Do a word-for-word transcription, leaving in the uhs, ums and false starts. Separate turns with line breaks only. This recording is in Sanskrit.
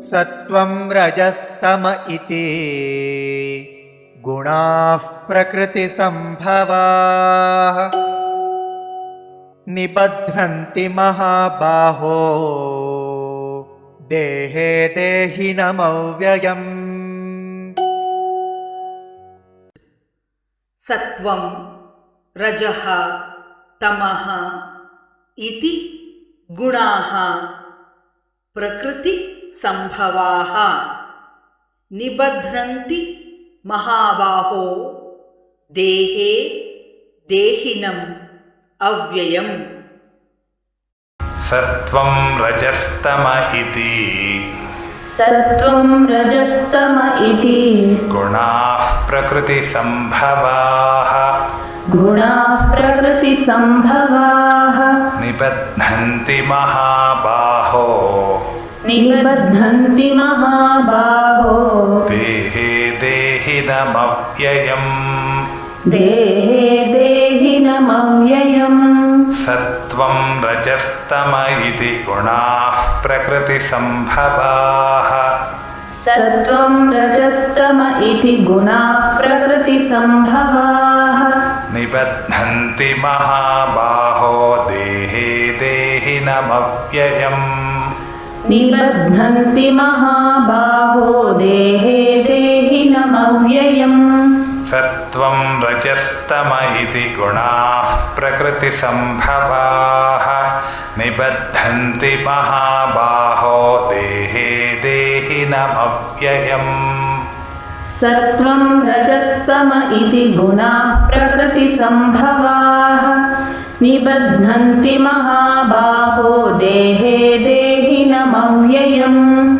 सत्त्वं रजस्तम इति गुणाः प्रकृतिसम्भवाः निबध्नन्ति महाबाहो देहे देहिनमव्ययम्।
सत्वं रजः तमः इति गुणाः प्रकृति संभवाः निबध्नन्ति महाबाहो देहे देहिनम् अव्ययम्।
सत्वं रजस्तम इति
सत्वं रजस्तम इति
गुणाः प्रकृतिसम्भवाः
गुणाः प्रकृतिसम्भवाः
निबध्नन्ति महाबाहो
निबध्नन्ति महाबाहो
देहे देहिनमव्ययम्
देहे देहिनमव्ययम्।
सत्वं रजस्तम इति गुणाः प्रकृतिसम्भवाः
सत्वं रजस्तम इति गुणाः प्रकृतिसम्भवाः
निबध्नन्ति महाबाहो देहे देहिनमव्ययम्
निबध्नन्ति महाबाहो देहे देहिनमव्ययम्।
सत्वं रजस्तम इति गुणाः प्रकृतिसम्भवाः निबध्नन्ति महाबाहो देहे देहिनमव्ययम्।
सत्वं रजस्तम इति गुणाः प्रकृतिसम्भवाः निबध्नन्ति महाबाहो देहे देहिनमव्ययम्।